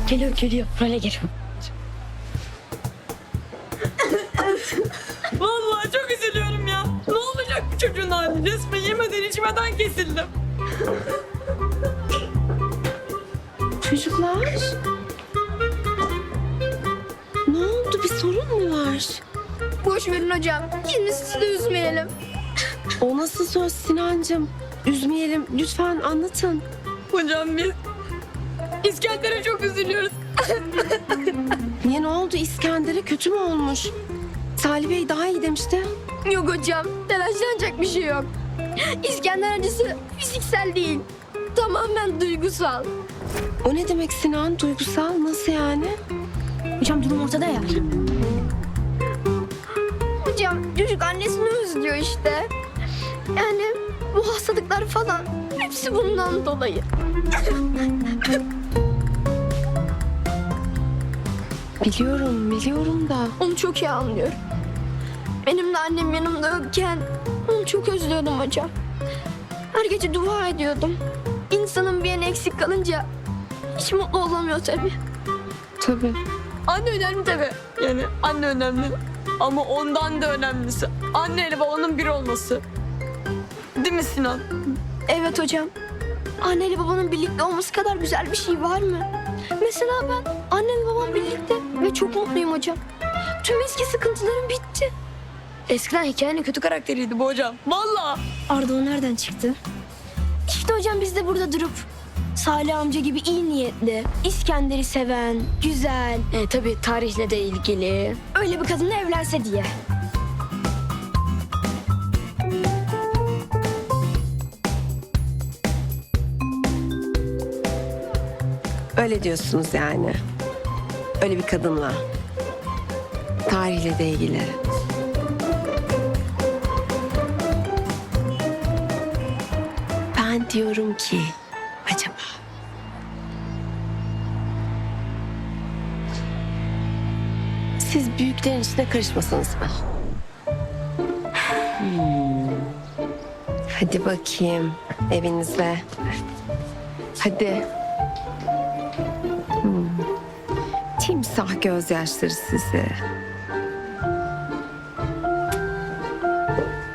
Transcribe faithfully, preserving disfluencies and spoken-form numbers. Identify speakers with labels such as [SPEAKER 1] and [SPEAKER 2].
[SPEAKER 1] Geliyor geliyor. Böyle geliyor.
[SPEAKER 2] Vallahi çok üzülüyorum ya. Ne olacak bu çocuğun hali? Resmen yemeden içmeden kesildim.
[SPEAKER 3] Çocuklar. Ne oldu? Bir sorun mu var?
[SPEAKER 4] Boş verin hocam. Şimdi sizi de üzmeyelim.
[SPEAKER 3] O nasıl söz Sinancığım? Üzmeyelim. Lütfen anlatın.
[SPEAKER 2] Hocam biz İskender'e çok üzülüyoruz.
[SPEAKER 3] Niye, ne oldu? İskender'e kötü mü olmuş? Salih Bey daha iyi demişti.
[SPEAKER 4] Yok hocam. Telaşlanacak bir şey yok. İskender acısı fiziksel değil. Tamamen duygusal.
[SPEAKER 3] O ne demek Sinan? Duygusal nasıl yani?
[SPEAKER 1] Hocam durum ortada ya.
[SPEAKER 4] Hocam çocuk annesini özlüyor işte. Yani bu hastalıklar falan hepsi bundan dolayı.
[SPEAKER 3] Biliyorum, biliyorum da.
[SPEAKER 4] Onu çok iyi anlıyorum. Benim de annem yanımda yokken onu çok özlüyordum hocam. Her gece dua ediyordum. İnsanın bir yanı eksik kalınca hiç mutlu olamıyor tabii.
[SPEAKER 3] Tabii.
[SPEAKER 2] Anne önemli tabii. Yani anne önemli. Ama ondan da önemlisi anneyle babanın bir olması. Değil mi Sinan?
[SPEAKER 4] Evet hocam. Anneyle babanın birlikte olması kadar güzel bir şey var mı? Mesela ben annem babam birlikte ve çok mutluyum hocam. Tüm eski sıkıntılarım bitti.
[SPEAKER 2] Eskiden hikayenin kötü karakteriydi bu hocam. Vallahi.
[SPEAKER 1] Arda o nereden çıktı?
[SPEAKER 4] İşte hocam biz de burada durup Salih amca gibi iyi niyetli, İskender'i seven, güzel,
[SPEAKER 1] E, tabii tarihle de ilgili.
[SPEAKER 4] öyle bir kadınla evlense diye.
[SPEAKER 3] Öyle diyorsunuz yani. Öyle bir kadınla. Tarihle de ilgili. Ben diyorum ki acaba siz büyüklerin içine karışmasanız mı? Hmm. Hadi bakayım evinizde. Hadi. Hmm. Timsah gözyaşları sizi.